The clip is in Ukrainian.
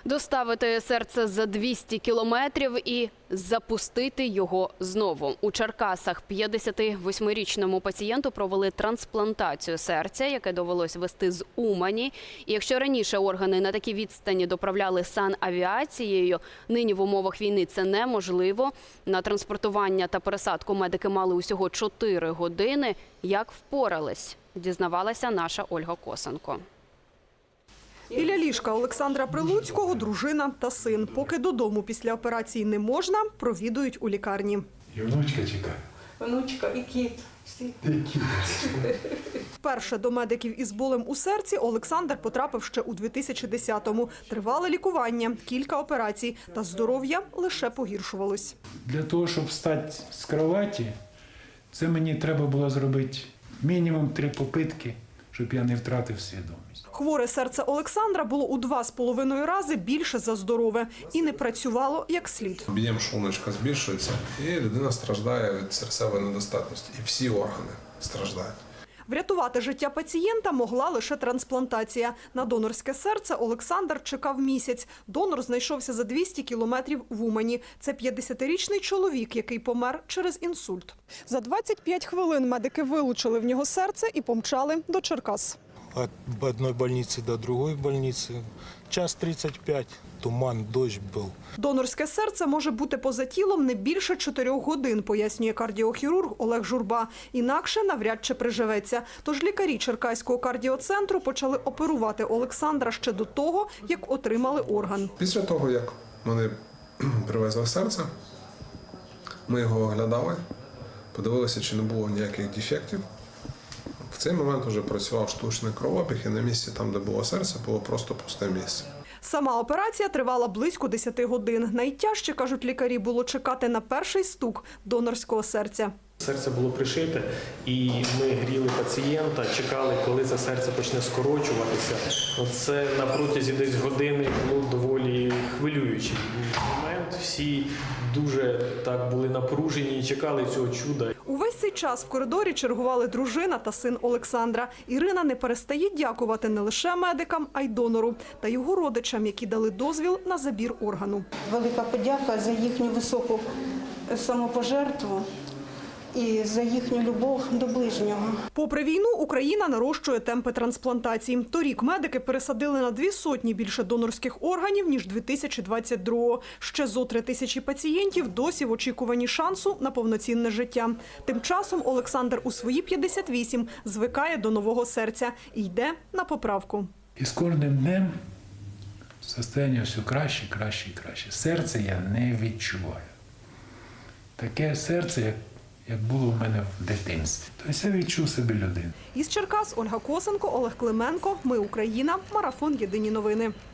Доставити серце за 200 кілометрів і запустити його знову. У Черкасах 58-річному пацієнту провели трансплантацію серця, яке довелось везти з Умані. І якщо раніше органи на такій відстані доправляли санавіацією, нині в умовах війни це неможливо. На транспортування та пересадку медики мали усього 4 години. Як впорались, дізнавалася наша Ольга Косенко. Біля ліжка Олександра Прилуцького дружина та син. Поки додому після операції не можна, провідують у лікарні. І внучка чекає. Внучка і кіт. Всі. Вперше до медиків із болем у серці Олександр потрапив ще у 2010-му. Тривале лікування, кілька операцій, та здоров'я лише погіршувалось. Для того, щоб встати з кроваті, це мені треба було зробити мінімум 3 попитки, щоб я не втратив свідомість. Хворе серце Олександра було у 2,5 рази більше за здорове і не працювало як слід. Об'єм шлуночка збільшується, і людина страждає від серцевої недостатності. І всі органи страждають. Врятувати життя пацієнта могла лише трансплантація. На донорське серце Олександр чекав місяць. Донор знайшовся за 200 кілометрів в Умані. Це 50-річний чоловік, який помер через інсульт. За 25 хвилин медики вилучили в нього серце і помчали до Черкас. От одной больницы до другой больницы. Час 35, туман, дощ был. Донорське серце може бути поза тілом не більше 4 годин, пояснює кардіохірург Олег Журба. Інакше навряд чи приживеться. Тож лікарі Черкаського кардіоцентру почали оперувати Олександра ще до того, як отримали орган. Після того, як вони привезли серце, ми його оглядали, подивилися, чи не було ніяких дефектів. В цей момент вже працював штучний кровообіг, і на місці, там, де було серце, було просто пусте місце. Сама операція тривала близько 10 годин. Найтяжче, кажуть лікарі, було чекати на перший стук донорського серця. Серце було пришите, і ми гріли пацієнта, чекали, коли це серце почне скорочуватися. Це на протязі десь години було доволі хвилюючий момент. Всі дуже так були напружені і чекали цього чуда. Увесь цей час в коридорі чергували дружина та син Олександра. Ірина не перестає дякувати не лише медикам, а й донору та його родичам, які дали дозвіл на забір органу. Велика подяка за їхню високу самопожертву і за їхню любов до ближнього. Попри війну, Україна нарощує темпи трансплантацій. Торік медики пересадили на 200 більше донорських органів, ніж 2022-го. Ще зо 3000 пацієнтів досі в очікуванні шансу на повноцінне життя. Тим часом Олександр у свої 58 звикає до нового серця і йде на поправку. І з кожним днем состояння все краще, краще і краще. Серце я не відчуваю. Таке серце, як було в мене в дитинстві. Тобто я відчув себе людину. Із Черкас Ольга Косенко, Олег Клименко. Ми Україна. Марафон. Єдині новини.